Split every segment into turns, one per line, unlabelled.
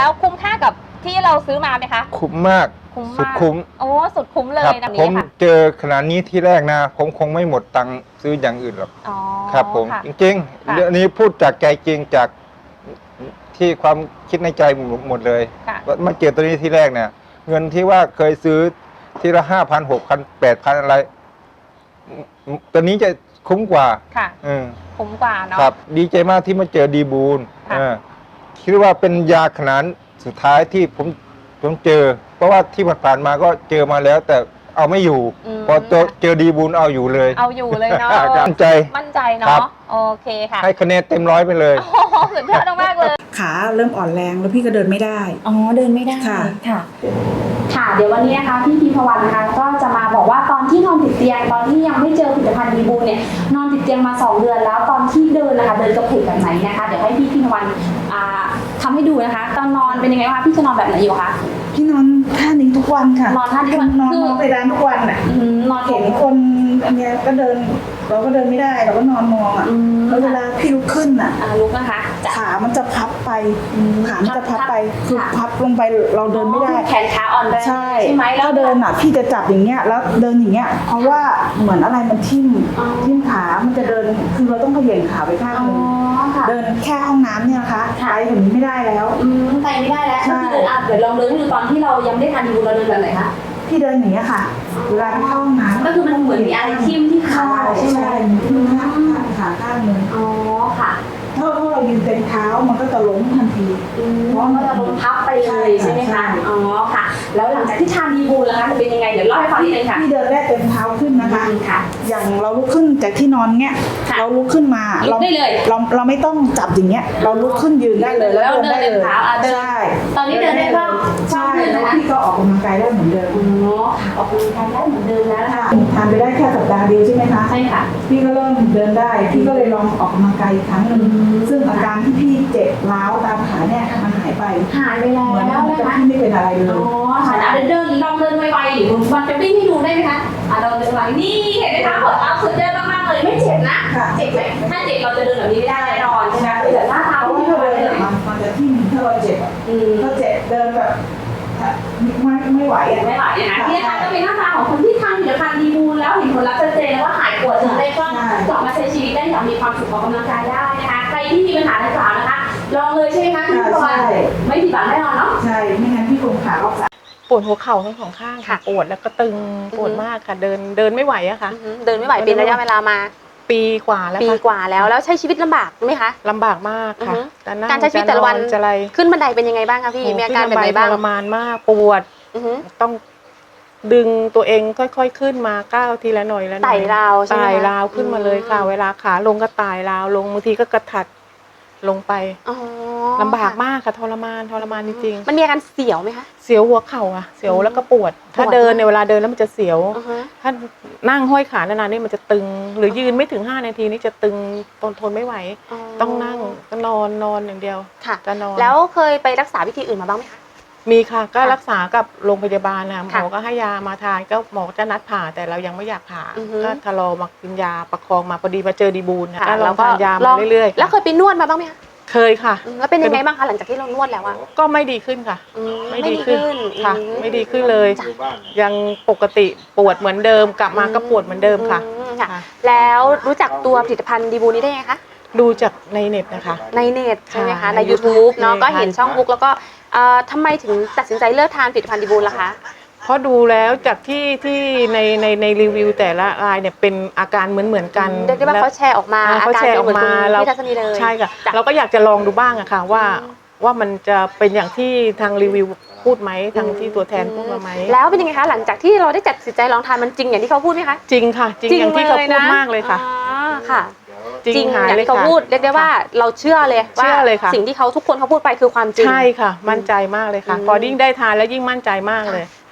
แล้วคุ้มค่ากับที่เราซื้อมาไหมคะ
คุ้มมากสุดคุ้ม
โอ้สุดคุ้มเลยนะ
ผมเจอขนาดนี้ที่แรกนะผมคงไม่หมดตังค์ซื้ออย่างอื่นหรอกครับผมจริงๆเรื่องนี้พูดจากใจจริงจากที่ความคิดในใจหมดเลยมาเจอตัวนี้ที่แรกเนี่ยเงินที่ว่าเคยซื้อทีละ5,000 6,000 8,000อะไรตัวนี้จะคุ้มกว่า
ค่ะคุ้มกว่าเนาะ
ครับดีใจมากที่มาเจอดีบูลคิดว่าเป็นยาขนาดสุดท้ายที่ผมเจอเพราะว่าที่ผ่านมาก็เจอมาแล้วแต่เอาไม่อยู่พอเจอดีบูลเอาอยู่เลย
เอาอยู่เลยเนาะ
มั่นใจ
เนาะโอเคค่ะ
ให้คะแนนเต็ม100ไปเลย
สุดยอดมากเลย
ขาเริ่มอ่อนแรงแล้วพี่ก็เดินไม่ได้
เดินไม่ได้
ค่ะ
ค่ะเดี๋ยววันนี้นะคะพี่พิมพวันนะคะก็จะมาบอกว่าตอนที่นอนติดเตียงตอนที่ยังไม่เจอผลิตภัณฑ์ดีบูเนี่ยนอนติดเตียงมา2 เดือนแล้วตอนที่เดินนะคะเดินกระเพกแบบไหนนะคะเดี๋ยวให้พี่พิมพวันทำให้ดูนะคะตอนนอนเป็นยังไงคะพี่จะนอนแบบไหนอยู่คะ
พี่นอนท่านี้ทุกวันค่ะ
นอนท่านี้
นอนไปร้านทุกวันอ่ะ
นอน
เห็นคนอันเนี้ยก็เดินเราก็เดินไม่ได้เราก็นอนมองอ่ะแล้วเวลาพี่ลุกขึ้นอ่ะ
ลุกนะคะ
ขามันจะพับไปขามันจะพับไปคือพับลงไปเราเดินไม่ได้
แขนขาอ่อนแรง
ใช่ไหมแล้วเดินอ่ะพี่จะจับอย่างเงี้ยแล้วเดินอย่างเงี้ยเพราะว่าเหมือนอะไรมันทิ่มขามันจะเดินคือเราต้องเขย่งขาไปข้างนึงเดินแค่ห้องน้ำเนี่ยนะคะไปถึงนี้ไม่ได้แล้ว
ไปไม่ได้แล้วก็คือเดี๋ยวลองเดินดูตอนที่เรายังไม่ได้ทานดีบูเราเดินแบบไหนคะ
พี่เดินอย่างเงี้ยค่ะเวลาเข้าห้องน้ำ
ก็คือมันเหมือนมีอะไรทิ่มที่ขา
ใช่ไหมทิ่มขาข้างนึง
ค่ะ
ถ้าเรายืนเต็มเท้ามันก็จะล้มทันที
เพราะมันจะล้มพับไปเลยใช่ไหมคะค่ะแล้วหลังจากที่ทานดีบูแล้วคะจะเป็นยังไงเดี๋ยวเล่าให้ฟังนิดนึงค่ะ
พี่เดินแรกเต็มเท้าขึ้นนะคะอย่างเราลุกขึ้นจากที่นอนเงี้ยเราลุกขึ้นมา
เราได้เลย
เราไม่ต้องจับอย่างเงี้ยเราลุกขึ้นยืนได้เลยแล้วเดินได้เลย
ใช่ตอนนี้เดินได้บ้าง
ใช่แล้วพี่ก็ออกกำลังกายได้เหมือนเดิม
ออกกำลังกายได้เหมือนเดิมแล้วค่ะ
ทานไปได้แค่สัปดาห์เดียวใช่ไหมคะ
ใช่ค่ะ
พี่ก็เริ่มเดินได้พี่ก็เลยลองออกกำลังกายอีกครั้งนึงซึ่งอาการที่พี่เจ็บร้าวตามขาเนี่ยมันหายไป
แล้ว
นะคะ
พี่
ไม่เป็นอะไรเลย
ค่ะเดินลองเดินไวๆหรือมันจะวิ่งให้ดูได้ไหมคะเราเดินไวนี่เห็นไหมคะผลลัพธ์สุดยอดมากๆเลยไม่เจ็บนะเจ็บไหมถ้าเจ็บเราจะเดินแบบนี้ไม่ได้แน่นอนใช่ไหมแต่หน้าเท้า
ที่เราเดินมันจะที่ถ้าเราเจ็บถ้าเจ็บเดินแบบไม่ไหว
ไม่ไหวนะคะที่นะคะก็เป็นหน้าตาของคนที่ทานผลิตภัณฑ์ดีบูลแล้วเห็นผลลัพธ์ชัดเจนแล้วว่าหายปวดถึงได้ก็กลับมาใช้ชีวิตได้อย่างมีความสุขออกกำลังกายได้นะคะใครที่มีปัญหาดังกล่าวนะคะลองเลยใช่ไหมคะพี่พลอยไม่ผิดหวังแน่นอนเนาะ
ใช่ไม่งั้นพี่คงขาออก
ปวดหัวเข่าทั้ง2 ข้างค่ะปวดแล้วก็ตึงปวดมากค่ะเดินไม่ไหวอะค่ะ
เดินไม่ไหวเป็นระยะเวลามา
ปีกว่าแล้ว
แล้วใช้ชีวิตลำบากไหมคะ
ลำบากมากค่ะ
การใช้ชีวิตแต่ละวันขึ้นบันไดเป็นยังไงบ้างคะพี่มีอาการแบบไหนบ้าง
ทรมานมากปวดต้องดึงตัวเองค่อยๆขึ้นมาก้าวทีละหน่อยแล้ว
ไต่ราวใช่ไหม
ไต่ราวขึ้นมาเลยค่ะเวลาขาลงก็ไต่ราวลงบางทีก็กระถัดลงไปลำบากมากค่ะทรมานจริง
ๆมันมีอาการเสียวไหมคะ
เสียวหัวเข่าอะเสียวแล้วก็ปวดถ้าเดินในเวลาเดินแล้วมันจะเสียวถ้านั่งห้อยขานานๆนี่มันจะตึงหรือยืนไม่ถึง5 นาทีนี่จะตึงทนไม่ไหวต้องนั่งก็นอนอย่างเดียว
จะนอนแล้วเคยไปรักษาวิธีอื่นมาบ้างไหมคะ
มีค่ะก็รักษากับโรงพยาบาลนะหมอก็ให้ยามาทานก็หมอจะนัดผ่าแต่เรายังไม่อยากผ่าก็ทะลอมากินยาประคองมาพอดีมาเจอดีบูลนะแล้วเราทานยามาเรื่อย
ๆแล้วเคยไปนวดมาบ้างไหมคะ
เคยค่ะ
แล้วเป็นยังไงบ้างคะหลังจากที่เรานวดแล้วอะ
ก็ไม่ดีขึ้นค่ะไม่ดีขึ้นค่ะไม่ดีขึ้นเลยยังปกติปวดเหมือนเดิมกลับมาก็ปวดเหมือนเดิมค่ะ
แล้วรู้จักตัวผลิตภัณฑ์ดีบูนี้ได้ไงคะ
ดูจากในเน็ตนะคะ
ในเน็ตใช่ไหมคะใน YouTube เนาะก็เห็นช่องบุ๊กแล้วก็ทำไมถึงตัดสินใจเลิกทานผลิตภัณฑ์ดีบูล่ะคะ
เพราะดูแล้วจากที่ในรีวิวแต่ละรายเนี่ยเป็นอาการเหมือนกัน
เรียกได้ว่าเขาแชร์ออกมา
เขาแชร์ออกมา
เราพี่ทัศนีเลย
ใช่ค่ะเราก็อยากจะลองดูบ้างอะค่ะว่ามันจะเป็นอย่างที่ทางรีวิวพูดไหมทางที่ตัวแทนพูดมาไหม
แล้วเป็นยังไงคะหลังจากที่เราได้ตัดสินใจลองทานมันจริงอย่างที่เขาพูดไหมคะ
จริงค่ะจริงอย่างที่เขาพูดมากเลยค่ะ
ค่ะจริงอย่างที่เขาพูดเรียกได้ว่าเราเชื่อเลยว่าสิ่งที่เขาทุกคนเขาพูดไปคือความจริง
ใช่ค่ะมั่นใจมากเลยค่ะพอยิ่งได้ทานแล้วยิ่งมั่นใจมากเลย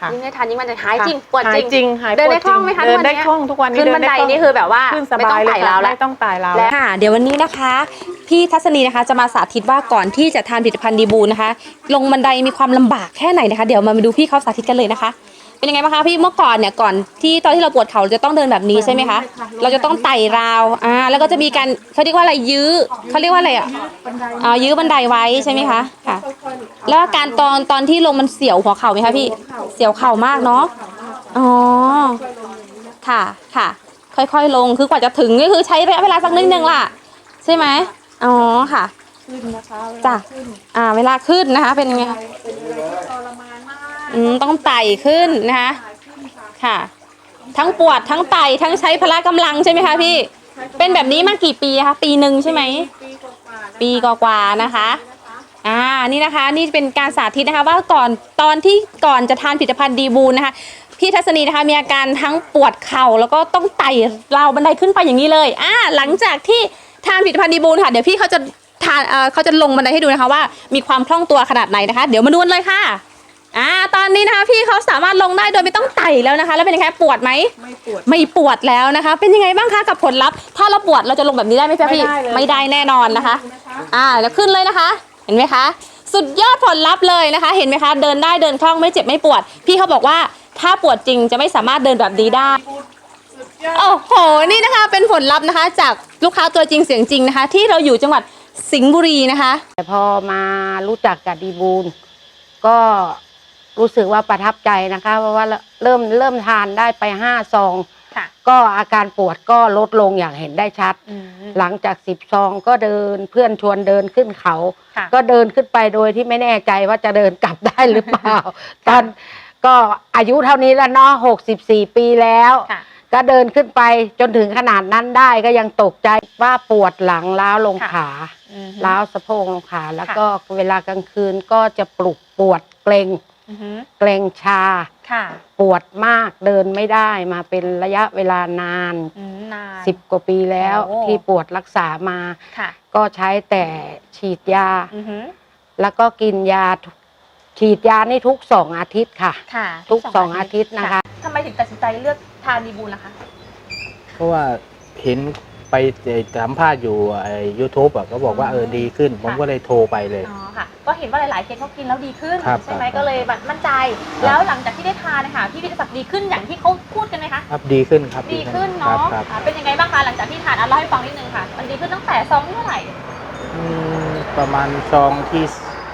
ค่ะ
ยิ่งได้ทานยิ่งมันจะหายจริงปวด
หา
จ
ย
ริง
จริงหาย
เดินได้
ปว
คล่องไหมคะ
เดินได้
ทุกวันเนี้ย
คล่องทุกวันนี้
ขึ้นบันไดนี่คือแบบว่า
ขึ้นสบายเลย
ไม่ต้องไต่ราวแล้ว
ไม่ต้องไต่ราว
ค่ะเดี๋ยววันนี้นะคะพี่ทัศนีนะคะจะมาสาธิตว่าก่อนที่จะทานผลิตภัณฑ์ดีบูนะคะ ลงบันไดมีความลำบากแค่ไหนนะคะ เดี๋ยวมาดูพี่เขาสาธิตกันเลยนะคะ เป็นยังไงบ้างคะพี่เมื่อก่อนเนี่ยก่อนที่ตอนที่เราปวดเข่าเราจะต้องเดินแบบนี้ใช่ไหมคะเราจะต้องไต่ราวแล้วก็จะมีการเขาเรียกว่าอะไรยื้อเขาเรียกว่าอะไรยื้อบันไดไว้ใช่ไหมคะค่ะ แล้วอาการตอนที่ลงมันเสียวหัวเข่าไหมคะพี่เสียวเข่ามากเนาะอ๋อค่ะค่ะ ค่อยๆลงคือกว่าจะถึงก็คือใช้ระยะเวลาสักนิดนึงล่ะใช่ไหมอ๋อค่ะจ้ะเวลาขึ้นนะคะเป็นยังไงต้องไต่ขึ้นนะคะค่ะ ทั้งปวดทั้งไต่ทั้งใช้พละกำลังใช่ไหมคะพี่เป็นแบบนี้มากี่ปีคะปีหนึ่งใช่ไหมปีกว่าๆนะคะนี่นะคะนี่เป็นการสาธิตนะคะว่าตอนที่ก่อนจะทานผลิตภัณฑ์ดีบูนนะคะพี่ทัศนีนะคะมีอาการทั้งปวดเข่าแล้วก็ต้องไต่ราวบันไดขึ้นไปอย่างนี้เลยหลังจากที่ทานผลิตภัณฑ์ดีบูนค่ะเดี๋ยวพี่เขาจะลงบันไดให้ดูนะคะว่ามีความคล่องตัวขนาดไหนนะคะเดี๋ยวมาดูกันเลยค่ะตอนนี้นะคะพี่เขาสามารถลงได้โดยไม่ต้องไต่แล้วนะคะแล้วเป็นยังไงปวดไหมไม่ปวดแล้วนะคะเป็นยังไงบ้างคะกับผลลัพธ์ถ้าเราปวดเราจะลงแบบนี้ได้ไหมพี่ไม่ได้แน่นอนนะคะแล้วขึ้นเลยนะคะเห็นไหมคะสุดยอดผลลัพธ์เลยนะคะเห็นไหมคะเดินได้เดินคล่องไม่เจ็บไม่ปวดพี่เขาบอกว่าถ้าปวดจริงจะไม่สามารถเดินแบบนี้ได้โอ้โหนี่นะคะเป็นผลลัพธ์นะคะจากลูกค้าตัวจริงเสียงจริงนะคะที่เราอยู่จังหวัดสิงห์บุรีนะคะ
แต่พอมารู้จักกับดีบูลก็รู้สึกว่าประทับใจนะคะเพราะว่าเริ่มทานได้ไป5 ซองก็อาการปวดก็ลดลงอย่างเห็นได้ชัดหลังจาก10 ซองก็เดินเพื่อนชวนเดินขึ้นเขาก็เดินขึ้นไปโดยที่ไม่แน่ใจว่าจะเดินกลับได้หรือเปล่า ตอนก็อายุเท่านี้แล้วเนาะ64 ปีแล้วก็เดินขึ้นไปจนถึงขนาดนั้นได้ก็ยังตกใจว่าปวดหลังล้าวลงขาล้าวสะโพกลงขาแล้วก็เวลากลางคืนก็จะปวดเกร็งชาปวดมากเดินไม่ได้มาเป็นระยะเวลานาน10 กว่าปีแล้วที่ปวดรักษามาก็ใช้แต่ฉีดยาแล้วก็กินยาฉีดยานี่ทุก2 อาทิตย์ค่ะทุก2 อาทิตย์นะคะ
ทำไมถึงตัดสินใจเลือกทานดีบูลล่ะคะ
เพราะว่าเห็นไปสัมภาษณ์อยู่YouTube ก็บอกว่าดีขึ้นผมก็เลยโทรไปเลย
ค่ะก็เห็นว่าหลายๆเคสเขากินแล้วดีขึ้น
ใช่ไหม
ก็เลยมั่นใจแล้วหลังจากที่ได้ทานนะคะพี่วิทยาศักดิ์ดีขึ้นอย่างที่เขาพูดกันไหมคะ
ครับดีขึ้นครับ
ดีขึ้นเนาะเป็นยังไงบ้างคะหลังจากที่ทานเล่าให้ฟังนิดนึงค่ะมันดีขึ้นตั้งแต่ซองที่เท่าไหร่
ประมาณซองที่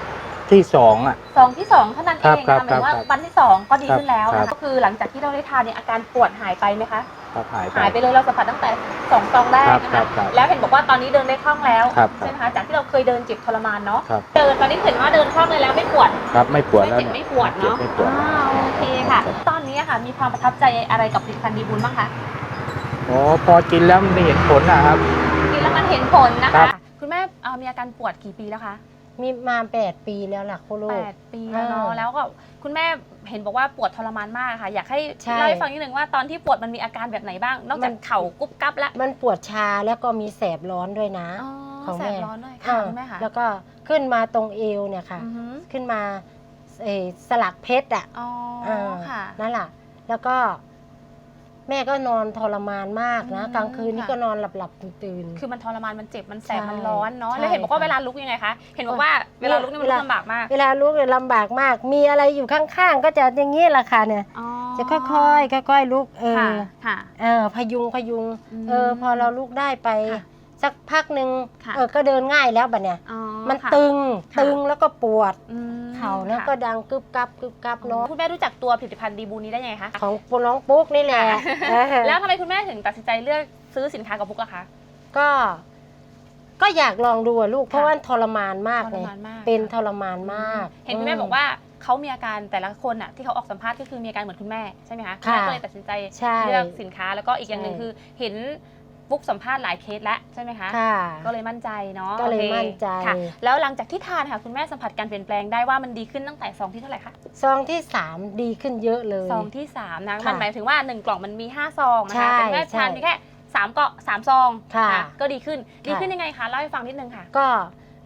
2
ซองที่2เท่านั้นเองนะหมายว่าวันที่2ก็ดีขึ้นแล้วก็คือหลังจากที่เราได้ทานเนี่ยอาการปวดหายไปไหมคะหายไปเลยเราสัมผัสตั้งแต่2 ซองแรกนะคะแล้วเห็นบอกว่าตอนนี้เดินได้คล่องแล้วใช่ไหมคะจากที่เราเคยเดินเจ็บทรมานเนาะเดินตอนนี้เห็นว่าเดินคล่องเลยแล้วไม่ปวด
ครับไม่ปวดแล้ว
ไม่ปวดเนาะโอเคค่ะตอนนี้ค่ะมีความประทับใจอะไรกับผลิตภัณฑ์ดีบูลบ้างคะ
พอกินแล้วมันเห็นผลนะครับ
กินแล้วมันเห็นผลนะคะคุณแม่มีอาการปวดกี่ปีแล้วคะ
มีมา8 ปีแล้วล่ะคุณลูก
8 ปีแล้วเนาะแล้วก็คุณแม่เห็นบอกว่าปวดทรมานมากค่ะอยากให้เล่าให้ฟังนิดนึงว่าตอนที่ปวดมันมีอาการแบบไหนบ้างนอกจากเข่ากุ๊บกั๊บแล้ว
มันปวดชาแล้วก็มีแสบร้อนด้วยนะ
ของแสบร้อนด้วยค่ะคุณแม่ค่ะ
แล้วก็ขึ้นมาตรงเอวเนี่ยค่ะขึ้นมาสลักเพชร
ค่ะ
นั่นแหละแล้วก็แม่ก็นอนทรมานมากนะกลางคืนนี่ก็นอนหลับตื่น
คือมันทรมานมันเจ็บมันแสบมันร้อนเนาะแล้วเห็นบอกว่าเวลาลุกยังไงคะเห็นบอกว่าเวลาลุกนี่มันลำบากมาก
เวลาลุกเนี่ยลำบากมากมีอะไรอยู่ข้างๆก็จะอย่างนี้แหละค่ะเนี่ยจะค่อยๆลุกพยุงพอเราลุกได้ไปสักพักหนึ่งก็เดินง่ายแล้วบัดเนี่ยมันตึงแล้วก็ปวดเข่าแล้วก็ดังกึบกับเนาะ
คุณแม่รู้จักตัวผลิตภัณฑ์ดีบูนี้ได้ยังไงคะ
ของน้องปุ๊กนี่แหละ
แล้วทำไมคุณแม่ถึงตัดสินใจเลือกซื้อสินค้ากับปุ๊กล่ะคะ
ก็อยากลองดูลูกเพราะว่าทรมานมากเลยเป็นทรมานมาก
เห็นคุณแม่บอกว่าเขามีอาการแต่ละคนอ่ะที่เขาออกสัมภาษณ์ก็คือมีอาการเหมือนคุณแม่ใช่ไหมคะก็เลยตัดสินใจเลือกสินค้าแล้วก็อีกอย่างหนึ่งคือเห็นปุ๊กสัมภาษณ์หลายเคสแล้วใช่ไหมคะก็เลยมั่นใจเนาะ
ก็เลยมั่นใจ
แล้วหลังจากที่ทานค่ะคุณแม่สัมผัสการเปลี่ยนแปลงได้ว่ามันดีขึ้นตั้งแต่ซองที่เท่าไหร่คะ
ซองที่3ดีขึ้นเยอะเลย
ซองที่3นะมันหมายถึงว่า1 กล่องมันมี5 ซองนะคะแต่แม่ทานมีแค่3 ซองก็ดีขึ้นยังไงคะเล่าให้ฟังนิดนึงค่ะ
ก็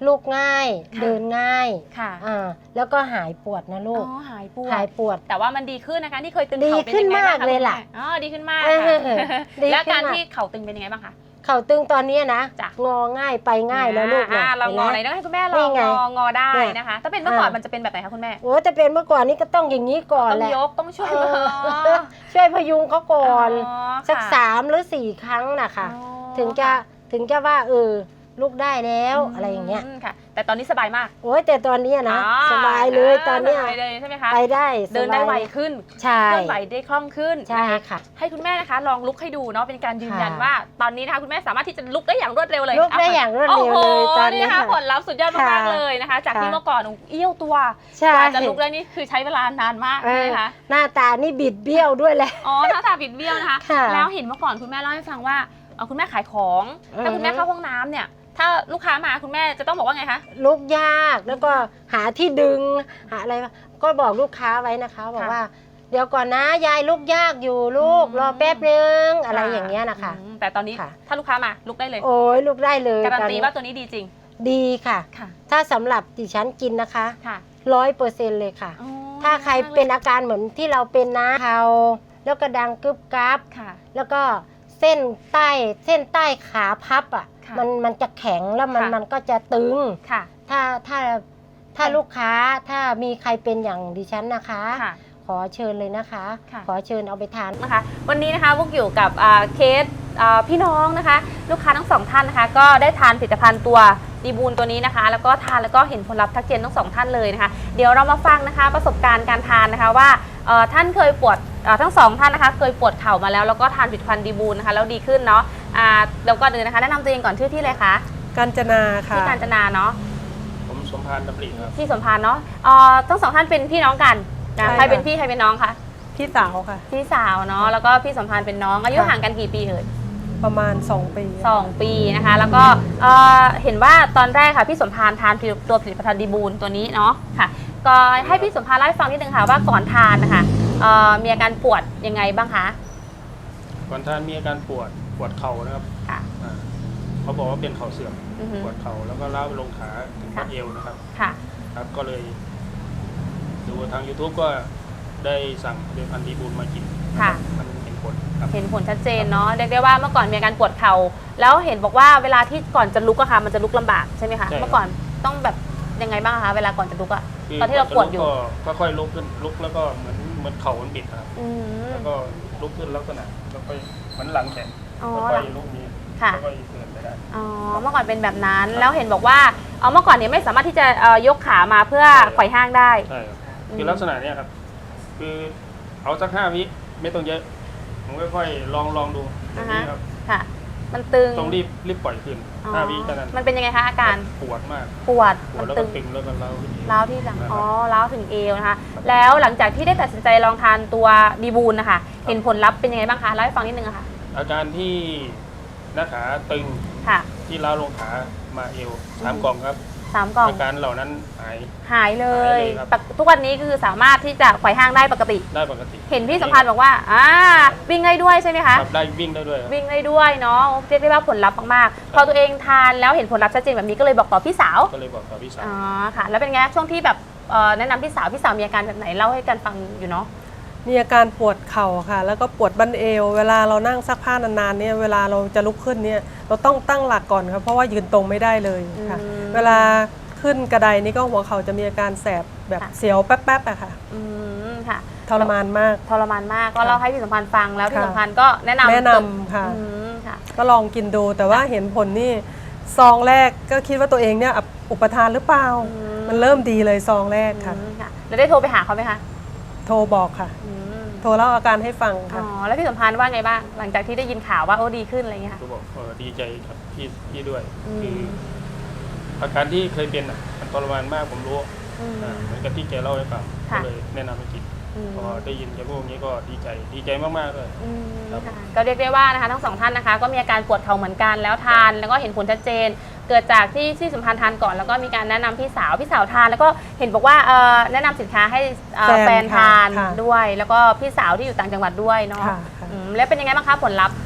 ลูกง่าย
ค่ะ
เดินง่าย
ค่ะ
แล้วก็หายปวดนะลูก
อ๋อหายปวด
หายปวด
แต่ว่ามันดีขึ้นนะคะที่เคยตึง
ดี
เข่าเป็น
ขึ้น
ยังไงบ้าง
มากเลยล่ะ
คุณแม่อ๋อดีขึ้นมาก
เออ
ค่ะ
ดี
แล้ว
ขึ้น
การ
มาก
ที่เข่าตึงเป็นยังไงบ้างคะ
เข่าตึงตอนนี้นะ
จ้ะ
งอง่ายไปง่ายแล้วลูกนะ
เรางอไหน
ห็น
ต้
ไหม
องให้คุณแม่ล
นี่
อง
ไง
งอได้
เนี่ย
นะคะ ถ้าเป็นเมื่อก่อน
อ่ามั
มันจะเป็นแบบไหนคะคุณแม่
โอ้แต่เป็นเมื่อก่อนนี้ก็ต้องอย่างนี้ก่อน
ต้อง
แหละ
ยกต้องช่วย
เอ
มือ
อช่วยพยุงเขาก่อน
อ๋อ
สัก
ค่ะ
3 หรือ 4 ครั้งนะคะ
อ๋อ
ถึงจะว่าลูกได้แล้วอะไรอย่างเงี้ย
ค่ะ แต่ตอนนี้สบายมาก
โอ้ยแต่ตอนเนี้ยนะ
อ๋อ
สบายเลยตอนเนี้ย
สบายเลยใช่ไหมคะ
ไปได้สบาย
เดินได้ไวขึ้น
ใช่
เคลื่อนไหวได้คล่องขึ้น
ใช่
นะคะ
ค่ะ
ให้คุณแม่นะคะลองลุกให้ดูเนาะเป็นการยืนยัน
ค่ะ
ว่าตอนนี้นะคะคุณแม่สามารถที่จะลุกได้อย่างรวดเร็วเลย
ลุกได้อย่างรวดเร็วเลย
โอ้โห
ตอนนี้
นะคะ
ค่ะ
ผลลัพธ์สุดยอดมาก
ค่ะ
ๆเลยนะคะ จากที่
ค่ะ
เมื่อก่อนเอี้ยวตัว
ใช่
กว่าจะลุกได้นี่คือใช้เวลานานมาก
เอ
ใช่ไห
อ
มคะ
หน้าตานี่บิดเบี้ยวด้วยแหละ
อ๋อหน้าตาบิดเบี้ยวนะคะ
ค่ะ
แล้วเห็นเมื่อก่อนคุณแม่เล่าให้ฟังว่าคุณแม่ขายของถ้าคุณแม่เข้าห้องน้ำเนี่ยถ้าลูกค้ามาคุณแม่จะต้องบอกว่าไงคะ
ลุกยากแล้วก็หาที่ดึงหาอะไรก็บอกลูกค้าไว้นะคะบอกว่า เดี๋ยวก่อนนะยายลุกยากอยู่ลูกรอแป๊บนึงอะไรอย่างเงี้ยนะคะ
แต่ตอนนี้
ค่ะ
ถ้าลูกค้ามาลุกได้เลย
โอ้ยลุกได้เลย
การัน
ตอน
ตี
นี้
ว่าตัวนี้ดีจริง
ดีค่ะ
ค่ะ
ถ้าสำหรับดิฉันกินนะคะ
ค่ะ
100%เลยค่ะ
อ๋อ
ถ้าใครเป็นอาการเหมือนที่เราเป็นนะเขาแล้วก็ดังกึบกับ
ค่ะ
แล้วก็เส้นใต้ขาพับอ่ะ
ค่ะ
มันจะแข็งแล้วมัน
ค่ะ
มันก็จะตึง
ค่ะ
ถ้าลูกค้าถ้ามีใครเป็นอย่างดิฉันนะคะ
ค่ะ
ขอเชิญเลยนะคะ
ค่ะ
ขอเชิญเอาไปทาน
นะคะวันนี้นะคะพวกอยู่กับเคสพี่น้องนะคะ ลูกค้าทั้งสองท่านนะคะ ก็ได้ทานผลิตภัณฑ์ตัวดีบูลตัวนี้นะคะ แล้วก็ทานแล้วก็เห็นผลลัพธ์ทักเจนทั้งสองท่านเลยนะคะ เดี๋ยวเรามาฟังนะคะประสบการณ์การทานนะคะว่าท่านเคยปวดทั้งสองท่านนะคะ เคยปวดเข่ามาแล้วก็ทานผลิตภัณฑ์ดีบูลนะคะแล้วดีขึ้นเนาะแล้วก็เดินนะคะแนะนำตัวเองก่อนชื่อที่เลยคะ
กาญจนาค่ะ
ที่กาญจนาเนาะ
ผมสมพานดำริครับ
ที่สมพานเนาะทั้งสองท่านเป็นพี่น้องกันนะ
ใช่
ใครเป็น
ค่ะ
พี่ใครเป็นน้องคะ
พี่สาวค่ะ
พี่สาวเนาะแล้วก็พี่สมพานเป็นน้องอายุ
ค่ะ
ห่างกันกี่ปีเอ่ย
ประมาณ 2 ปี
2 ปีนะคะแล้วก็เห็นว่าตอนแรกค่ะพี่สมพานทานตัวผลิตภัณฑ์ดีบูลตัวนี้เนาะค่ะก็ให้พี่สมพานเล่าให้ฟังนิดนึงค่ะว่าก่อนทานนะคะมีอาการปวดยังไงบ้างคะ
ก่อนทานมีอาการปวดเข่านะครับ
ค่ะ
เขาบอกว่าเป็นเข่าเสื่อม
อือฮึ
ปวดเข่าแล้วก็ล้าวไปลงขาถึง
ค่ะ
บัดเอวนะครับ
ค่ะ
ครับก็เลยดูทาง YouTube ก็ได้สั่งผลิตภัณฑ์ดีบูลมากิน
ค่ะ
มันเห็นผลครับ
เห็นผลชัดเจนเนาะเรียกได้ว่าเมื่อก่อนมีอาการปวดเข่าแล้วเห็นบอกว่าเวลาที่ก่อนจะลุกอะค่ะมันจะลุกลำบากใช่ไหมคะ
ใช่ครับ
เมื่อก่อนต้องแบบยังไงบ้างคะเวลาก่อนจะลุกอะ
คื
ตอนที่เราปวดอยู่
ก็ค่อยลุกขึ้นลุกแล้วก็เหมือนเข่ามันบิดครับ
อืม
แล้วก็ลุกขึ้นลักษณะแล้วก็เหมือนหลังแขน
อ๋อ
แล้วก็ลุกนี้
ค่ะ
แล้วก็เดินไปได้
อ๋อเมื่อก่อนเป็นแบบนั้นแล้วเห็นบอกว่าเมื่อก่อนเนี่ยไม่สามารถที่จะยกขามาเพื่อ
ใช่ครับ
ไขว่ห้างได้
ใช่ครับคือลักษณะเนี้ยครับ คือเอาสัก5 วิไม่ต้องเยอะ ผมค่อยๆลองดูตรงนี้ครับ
ค่ะ มันตึง
ต้องรีบปล่อยขึ้น
อ๋อ
5 วิเท่านั้น
มันเป็นยังไงคะอาการ
ปวดมาก
ปวด
ปว
มั
ด
น
แล้ว
ตึ
ก็
ง
ตึงแล้วก็เล้าขึ้นอีก
ร้าวที่หลัง
นะครับ
อ๋อร้าวถึงเอวนะคะ แล้วหลังจากที่ได้ตัดสินใจลองทานตัวดีบูลนะคะ เห็นผลลัพธ์เป็นยังไงบ้างคะเล่าให้ฟังนิดนึงอะค่ะ
อาการที่หน้าขาตึง
ค่ะ
ที่ล้าวลงขามาเอว3 กล่องครับ
3 กล่อง
อาการเหล่านั้นหาย
หายเล
หาย ยเลยครับ
ทุกวันนี้คือสามารถที่จะไขว่ห้างได้ปกติ
ได้ปกติ
เห็นพี่สัมพันธ์บอกว่าวิ่งได้ด้วยใช่ไหมคะ
ครับได้วิ่งได้ด้วยครับ
วิ่งได้ด้วยเนาะเรียกได้ว่าผลลัพธ์มากๆ พอตัวเองทานแล้วเห็นผลลัพธ์ชัดเจนแบบนี้ก็เลยบอกต่อพี่สาว
ก็เลยบอกกับพี่สาว
อ๋อค่ะ แล้วเป็นไงช่วงที่แบบแนะนำพี่สาวมีอาการแบบไหนเล่าให้กันฟังอยู่เนาะ
มีอาการปวดเข่าค่ะ แล้วก็ปวดบั้นเอว เวลาเรานั่งซักผ้านานๆเนี่ยเวลาเราจะลุกขึ้นเนี่ยเราต้องตั้งหลักก่อนครับเพราะว่ายืนตรงไม่ได้เลยค่ะ
อืม
เวลาขึ้นกระไดนี่ก็หัวเข่าจะมีอาการแสบแบบ
ค่ะ
เสียวแป๊บๆอะค่ะ
อืมค่ะ
ทรมานมาก
ทรมานมากก็เล่าให้พี่สัมพันธ์ฟังแล้วพี่
ค่ะ
สัมพันธ์ก็แนะนำ
แนะนำค่ะ
อืมค่ะ
ก็ลองกินดูแต่ว่าเห็นผลนี่ซองแรกก็คิดว่าตัวเองเนี่ยอุปทานหรือเปล่า
อืม
มันเริ่มดีเลยซองแรกค่ะ
อืมค่ะแล้วได้โทรไปหาเขาไหมคะ
โทรบอกค่ะ
อืม
โทรเล่าอาการให้ฟัง
อ๋
ค่ะ
อแล้วพี่สัมพันธ์ว่าไงบ้างหลังจากที่ได้ยินข่าวว่าโอ้ดีขึ้นอะไรอย่างเงี้ยค่ะ
ก็บอกดีใจครับพี่ด้วย
อืม
คืออาการที่เคยเป็นมันทรมานมากผมรู้
อืม
เหมือนกับที่แกเล่าให้ฟังก็
ค่ะ
เลยแนะนำให้กิน
อืม
พอได้ยินแกพูดอย่างนี้ก็ดีใจมากๆเลย
อืม
ครับ
ค่ะก็เรียกได้ว่านะคะทั้งสองท่านนะคะก็มีอาการปวดเข่าเหมือนกันแล้วทานแล้วก็เห็นผลชัดเจน เกิดจากที่สัมพันธ์ทานก่อนแล้วก็มีการแนะนำพี่สาวทานแล้วก็เห็นบอกว่าแนะนำสินค้าให้แฟนทาน
ค่ะ
ด้วย แล้วก็พี่สาวที่อยู่ต่างจังหวัดด้วยเนาะ
ค่ะค่ะ
แล้วเป็นยังไงบ้างคะผลลัพธ์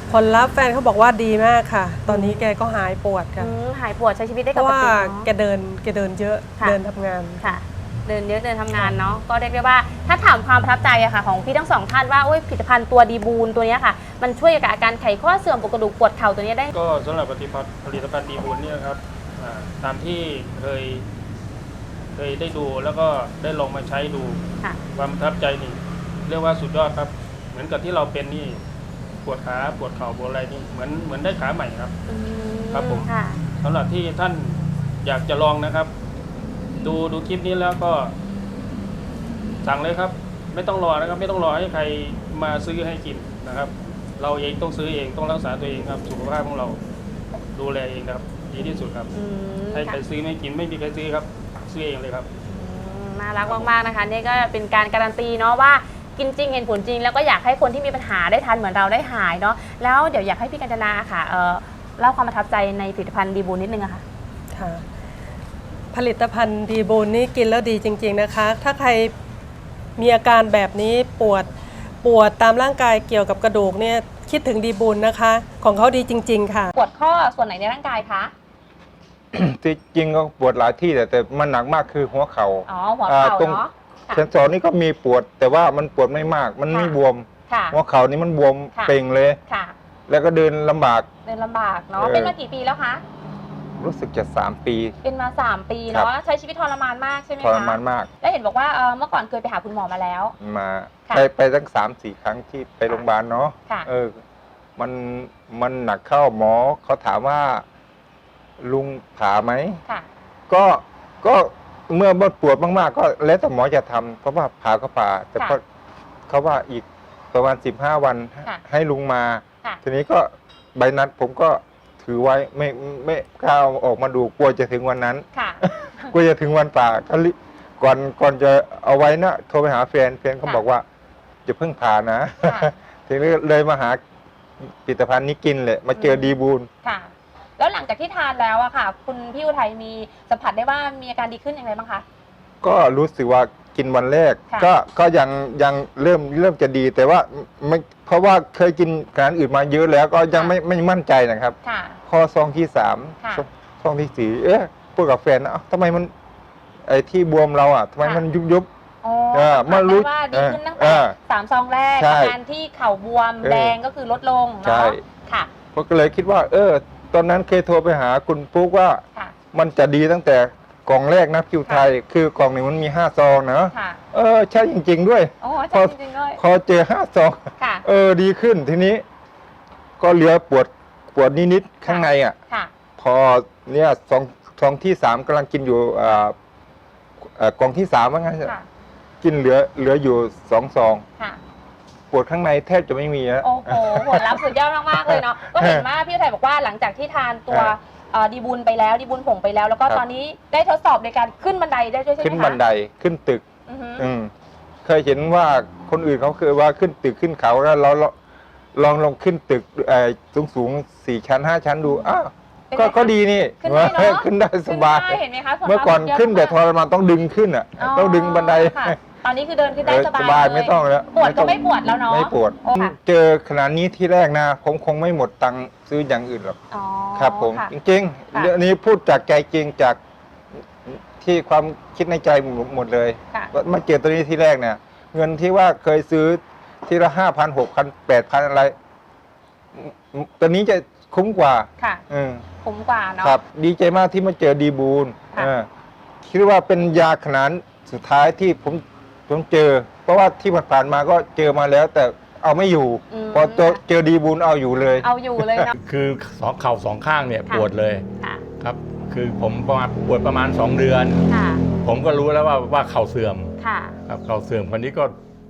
ผลลัพธ์แฟนเขาบอกว่าดีมากค่ะ ตอนนี้แกก็หายปวดค่ะ
หายปวดใช้ชีวิตได้
เพ
ป
ราะ
ก
ว่า
ติ
แกเดินเยอะ
ค่ะ
เดินทำงาน
ค่ะ เดินเยอะเดินทำงานเนาะก็เรียกได้ว่าถ้าถามความประทับใจอะค่ะของพี่ทั้งสองท่านว่าผลิตภัณฑ์ตัวดีบูนตัวนี้ค่ะมันช่วยกับอาการไขข้อเสื่อมปวดกระดูกปวดเข่าตัวนี้ได้
ก็สำหรับผลิตภัณฑ์ดีบุญเนี่ยครับตามที่เคยได้ดูแล้วก็ได้ลองมาใช้ดู
ค่ะ
ความประทับใจนี่เรียกว่าสุดยอดครับ เหมือนกับที่เราเป็นนี่ปวดขาปวดเข่าปวดอะไรนี่เหมือนได้ขาใหม่ครับ ครับผม
ค่ะ
สำหรับที่ท่านอยากจะลองนะครับ ดูคลิปนี้แล้วก็สั่งเลยครับ ไม่ต้องรอนะครับ ไม่ต้องรอให้ใครมาซื้อให้กินนะครับ เราเองต้องซื้อเองต้องรักษาตัวเองครับสุขภาพของเราดูแลเองนะครับดีที่สุดครับให้ใครซื้อไม่กินไม่มีใครซื้อครับซื้อเองเลยครับ
น่ารักมากๆนะคะนี่ก็เป็นการการันตีเนาะว่ากินจริงเห็นผลจริงแล้วก็อยากให้คนที่มีปัญหาได้ทานเหมือนเราได้หายเนาะแล้วเดี๋ยวอยากให้พี่กัญจนาค่ะเล่าความประทับใจในผลิตภัณฑ์ดีบูนนิดนึงอะค่ะ
ค่ะผลิตภัณฑ์ดีบูนนี่กินแล้วดีจริงๆนะคะ ถ้าใครมีอาการแบบนี้ปวดตามร่างกายเกี่ยวกับกระดูกเนี่ยคิดถึงดีบูนนะคะ ของเขาดีจริงๆค่ะ
ปวดข้อส่วนไหนในร่างกายคะ
ที่จริงก็ปวดหลายที่แต่มันหนักมากคือหัวเข่า
อ๋อหัวเข่า
ตรง
เนาะค่ะ
เซนสอนนี่ก็มีปวดแต่ว่ามันปวดไม่มาก มันไม่
ค่ะ
บวม
ค่ะ
หัวเข่านี่มันบวม
ค่ะ
เป่งเลย
ค่ะ
แล้วก็เดินลำบาก
เดินลำบากเนาะ
เออ
เป็นมากี่ปีแล้วคะ
รู้สึกจะ3 ปี
เป็นมา3 ปี
ครั
เนาะ
บ
ใช้ชีวิตทรมานมากใช่ไหม
ท
คะ
รมานมาก
แล้วเห็นบอกว่าเมื่อก่อนเคยไปหาคุณหมอมาแล้ว
มา
ค่ะ
ไปตั้ง3-4 ครั้งที่ไปโรงพยาบาลเนาะ
ค่ะ
มันหนักเข้าหมอเขาถามว่าลุงผ่าไหม
ค่ะ
ก็เมื่อปวดมากๆก็แล้วแต่หมอจะทำเพราะว่าผ่าก็ผ่า แต่
ค่ะ
ก็เขาว่าอีกประมาณ15 วัน
ค่ะ
ให้ลุงมา
ค่ะ
ทีนี้ก็ใบนัดผมก็ถือไว้ไม่กล้าเอาออกมาดูกลัวจะถึงวันนั้น
ค่ะ
กลัวจะถึงวันผ่าก็ก่อนจะเอาไว้นะโทรไปหาแฟนเขา
ค่ะ
บอกว่าจะเพิ่งผ่านะ
ค่ะ
ทีนี้เลยมาหาผลิตภัณฑ์นี้กินเลยมาเจอดีบูล
ค่ะ แล้วหลังจากที่ทานแล้วอะค่ะ คุณพี่อุทัยมีสัมผัสได้ว่ามีอาการดีขึ้นอย่างไรบ้างคะ
ก็รู้สึกว่ากินวันแรก
ค่ะ
ก็ยังเริ่มจะดีแต่ว่าไม่เพราะว่าเคยกินอาหารอื่นมาเยอะแล้วก็ยังไม่มั่นใจนะครับ
ค่ะ
ข้อซองที่
ค่ะ
3ซองที่ 4พูดกับแฟนนะเอ้าทำไมมันไอ้ที่บวมเราอ่ะทำไมมันยุบ
อ๋อ
สัมผัส
สัมผัส
รู้
ได้ว่าดีขึ้นตั้ง
เอ
แต่
อ
3 ซองแรก
ใช่
อาการที่เข่าบวม
เออ
แดงก็คือลดลง
ใช่
เนาะค่ะ
ผมก็เลยคิดว่า ตอนนั้นเคยโทรไปหาคุณปุ๊กว่า
ค่ะ
มันจะดีตั้งแต่กล่องแรกนะคิวไทย คือกล่องหนึ่งมันมี5 ซองนะ
ค่ะ
ใช่จริง ๆ ด้วย
โอ้ใช่จริงๆด้วย
พอเจอ5 ซอง
ค่ะ
ดีขึ้นทีนี้ ก็เหลือปวดนิดๆข้างในอ่ะ
ค่ะ
พอเนี่ยซองที่ 3กำลังกินอยู่กล่องที่3ว่างั้น
ค่ะ
กินเหลืออยู่2 ซอง
ค่ะ
ปวดข้างในแทบจะไม่มีแล้ว
โอ้โหผลลัพธ์สุดยอดมากๆเลยเนาะ ก็เห็นว่าพี่อุทัยบอกว่าหลังจากที่ทานตัวดีบุญไปแล้วดีบุญผงไปแล้ว แล้วก็
ครับ
ตอนนี้ได้ทดสอบในการขึ้นบันไดได้ด้วยใช่ไหมคะ
ขึ้นบันไดขึ้นตึก
อือฮึ
เคยเห็นว่าคนอื่นเขาเคยว่าขึ้นตึกขึ้นเขาแล้วเราลองขึ้นตึกสูง 4 ชั้น 5 ชั้นดูอ้าว
เป็นไงคะ
ก็ดีนี่
ขึ้นได้เนอะ
ขึ้นได้สบาย
ขึ้นได้เห็นไหมคะผลลัพธ์
เมื่อก่อน
สุดยด
ขึ้นแต่ท
มาก
รมานต้องดึงขึ้นอ่ะต้องดึงบันได
ค่ะตอนนี้คือเดินขึ้นได้สบาย
สบาย
เลย
ไม่ต้องแล้ว
ปวดก็
ต้อง
ไม่ปวดแล้วเนาะ
ไม่ปวด
โอ้ค่ะ
เจอขนาดนี้ที่แรกนะผมคงไม่หมดตังค์ซื้ออย่างอื่นหรอก
อ๋อ
ครับผม
ค่ะ
จริง
ค่ะ
ๆเรื่องนี้พูดจากใจจริงจากที่ความคิดในใจหมดเลย
ค่ะ
ว่ามาเจอตัวนี้ที่แรกเนี่ย เงินที่ว่าเคยซื้อทีละ5,000 6,000 8,000อะไรตัวนี้จะคุ้มกว่า
ค่ะ คุ้มกว่าเนาะ
ครับ ดีใจมากที่มาเจอดีบูล
ค่ะ
คิดว่าเป็นยาขนาดสุดท้ายที่ผมเจอ เพราะว่าที่ผ่านมาก็เจอมาแล้ว แต่เอาไม่อยู่ พอเจอดีบูลเอาอยู่เลย
เอาอยู่เลยเนาะ
คือเข่า2 ข้างเนี่ย
ค่ะ
ปวดเลย
ค่ะ
ครับ คือผมปวดประมาณ2 เดือน
ค่ะ
ผมก็รู้แล้วว่าเข่าเสื่อม
ค่ะ
ครับเข่าเสื่อมคนนี้ก็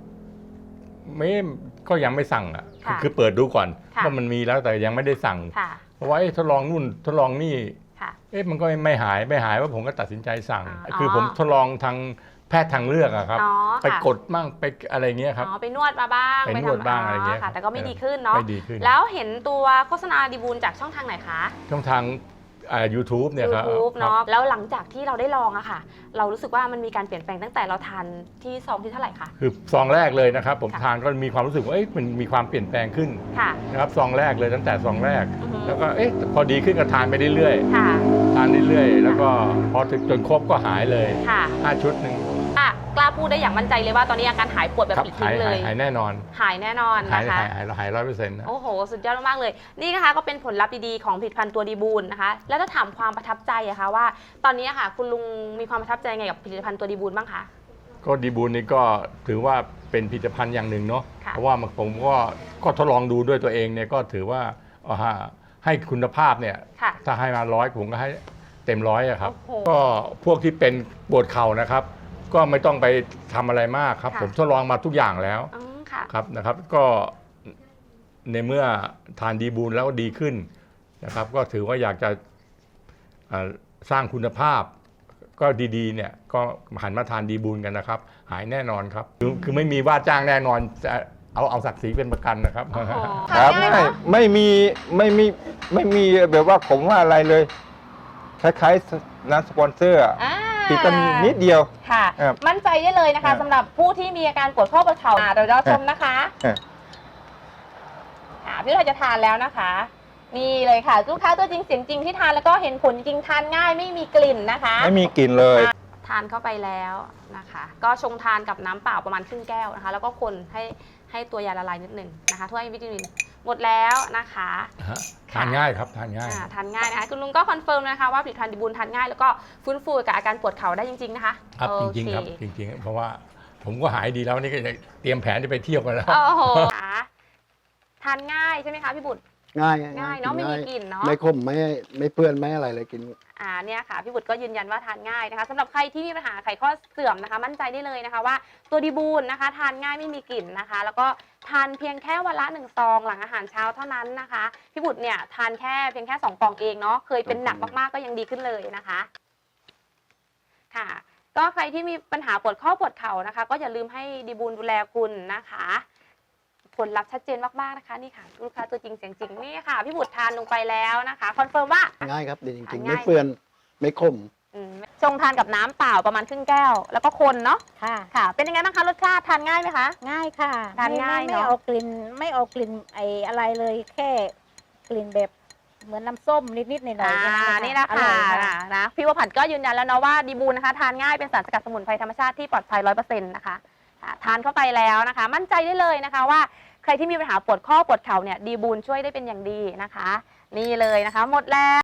ก็ยังไม่สั่งอ่ะ
ค่ะ
คือเปิดดูก่อน
ค่ะ
ว่ามันมีแล้วแต่ยังไม่ได้สั่ง
ค่ะ
เพราะว่าทดลองนู่นทดลองนี่
ค่ะ
มันก็ไม่หายว่าผมก็ตัดสินใจสั่ง
อ๋อ
คือผมทดลองทางแพทย์ทางเลือกอะครับ
อ๋อ
ไป
ค่ะ
กดมั่งไปอะไรเงี้ยครับ
อ๋อไปนวดมาบ้าง
ไปนวดบ้างอะไรเงี้ย
ค่ะ แต่ก็ไม่ดีขึ้นเนาะ
ไม่ดีขึ้น
แล้วเห็นตัวโฆษณาดีบูลจากช่องทางไหนคะ
ช่องทาง YouTube เนี่ยครับ
YouTube เนาะแล้วหลังจากที่เราได้ลองอะค่ะ เรารู้สึกว่ามันมีการเปลี่ยนแปลงตั้งแต่เราทานที่ซองที่เท่าไหร่คะ
คือซองแรกเลยนะครับ ผม
ค่ะ
ทานก็มีความรู้สึกว่ามันมีความเปลี่ยนแปลงขึ้น
ค่ะ
นะครับซองแรกเลยตั้งแต่ซองแรก
อือฮึ
แล้วก็พอดีขึ้นก็ทานไปเรื่อย
ค่ะ
ๆทานเรื่อยๆแล้วก็พอถึงจนครบก็หายเลย
ค่ะ
5 ชุดหนึ่ง
กล้าพูดได้อย่างมั่นใจเลยว่าตอนนี้อาการหายปวดแบบ
ครับ
ปลิดทิ้งเลย
หายแน่นอน
หายแน่นอน
หาย
นะคะ
หาย100%นะ
โอ้โห สุดยอดมากๆเลย นี่นะคะก็เป็นผลลัพธ์ดีๆของผลิตภัณฑ์ตัวดีบูลนะคะ แล้วถ้าถามความประทับใจอะคะว่า ตอนนี้อะค่ะ คุณลุงมีความประทับใจไงกับผลิตภัณฑ์ตัวดีบูลบ้างคะ
ก็ดีบูลนี่ก็ถือว่าเป็นผลิตภัณฑ์อย่างหนึ่งเนาะ
ค่ะ
เพราะว่าผมก็ทดลองดูด้วยตัวเองเนี่ยก็ถือว่าให้คุณภาพเนี่ย
ค่ะ
ถ้าให้มา100ผมก็ให้เต็ม100อะครับ
โอ้โห
ก็พวกที่เป็นปวดเข่านะครับ ก็ไม่ต้องไปทำอะไรมากครับ
ค่ะ
ผมทดลองมาทุกอย่างแล้ว
อืมค่ะ
ครับนะครับ ก็ในเมื่อทานดีบูลแล้วดีขึ้นนะครับ ก็ถือว่าอยากจะสร้างคุณภาพ ก็ดีๆเนี่ยก็หันมาทานดีบูลกันนะครับ หายแน่นอนครับคือไม่มีว่าจ้างแน่นอนจะเอาศักดิ์ศรีเป็นประกันนะครับ
โอ้โห
ครับ
ทานง่ายเนอะ
ไม่มีแบบว่าผมว่าอะไรเลย คล้ายๆน้ำสปอนเซอร์อะ
อ่า
ติดกันนิดเดียว
ค่ะ
ครับ
มั่นใจได้เลยนะ
ครั
คะ
บ
สำหรับผู้ที่มีอาการปวดข้อปวดเข่าเดี๋ยวเราชมนะคะ พี่เราจะทานแล้วนะคะ นี่เลยค่ะลูกค้าตัวจริงเสียงจริงที่ทานแล้วก็เห็นผลจริงทานง่ายไม่มีกลิ่นนะคะ
ไม่มีกลิ่นเลย
ทานเข้าไปแล้วนะคะ ก็ชงทานกับน้ำเปล่าประมาณครึ่งแก้วนะคะ แล้วก็คนให้ตัวยาละลายนิดหนึ่งนะคะถ้วยวิตามินหมดแล้วนะคะ
ทานง่ายครับทานง่าย
ทานง่ายนะคะคุณลุงก็คอนเฟิร์มนะคะว่าผลิตภัณฑ์ดีบูลทานง่ายแล้วก็ฟื้นฟูกับอาการปวดเข่าได้จริงๆนะคะ
ครับ
โอ
จริง
เค
ๆครับจริงๆเพราะว่าผมก็หายดีแล้วนี่ก็จะเตรียมแผนจะไปเที่ยวกันแล้ว
โอ้โหทานง่ายใช่ไหมคะพี่บุตร
ง่าย
ง่ายเนาะไม่มีกลิ่นเนาะ
ไม่ขมไม่เปื้อนไม่อะไรเลยกิน
เนี่ยค่ะพี่บุตรก็ยืนยันว่าทานง่ายนะคะสำหรับใครที่มีปัญหาไขข้อเสื่อมนะคะ มั่นใจได้เลยนะคะว่าตัวดีบูลนะคะ ทานง่ายไม่มีกลิ่นนะคะ แล้วก็ทานเพียงแค่วันละ1ซองหลังอาหารเช้าเท่านั้นนะคะพี่บุตรเนี่ยทานเพียงแค่2 กล่องเองเนาะเคยเป็นหนักมากๆก็ยังดีขึ้นเลยนะคะค่ะ ก็ใครที่มีปัญหาปวดข้อปวดเข่านะคะ ก็อย่าลืมให้ดีบูลดูแลคุณนะคะผลลัพธ์ชัดเจนมากๆนะคะนี่ค่ะลูกค้าตัวจริงเสียงจริงนี่ค่ะพี่บุตรทานลงไปแล้วนะคะคอนเฟิร์มว่า
ง่ายครับดีจริงๆ
ง่าย
ไม่เปื้อนไม่ขม
ชงทานกับน้ำเปล่าประมาณครึ่งแก้ว แล้วก็คนเนาะ
ค่ะ
ค่ะ เป็นยังไงบ้างคะรสชาติทานง่ายไหมคะ
ง่ายค่ะ
ทานง่าย
ไม่
เนอะ
เอากลิ่นไม่เอากลิ่นอะไรเลยแค่กลิ่นแบบเหมือนน้ำส้มนิดๆหน่อยๆแค่
นี่นะ
อ
คะ
ร่อยค่ะ
นะพี่วผัดก็ยืนยันแล้วเนาะว่าดีบูลนะคะทานง่ายเป็นสารสกัดสมุนไพรธรรมชาติที่ปลอดภัย 100% นะคะทานเข้าไปแล้วนะคะ มั่นใจได้เลยนะคะว่าใครที่มีปัญหาปวดข้อปวดเข่าเนี่ยดีบูลช่วยได้เป็นอย่างดีนะคะ นี่เลยนะคะ หมดแล้ว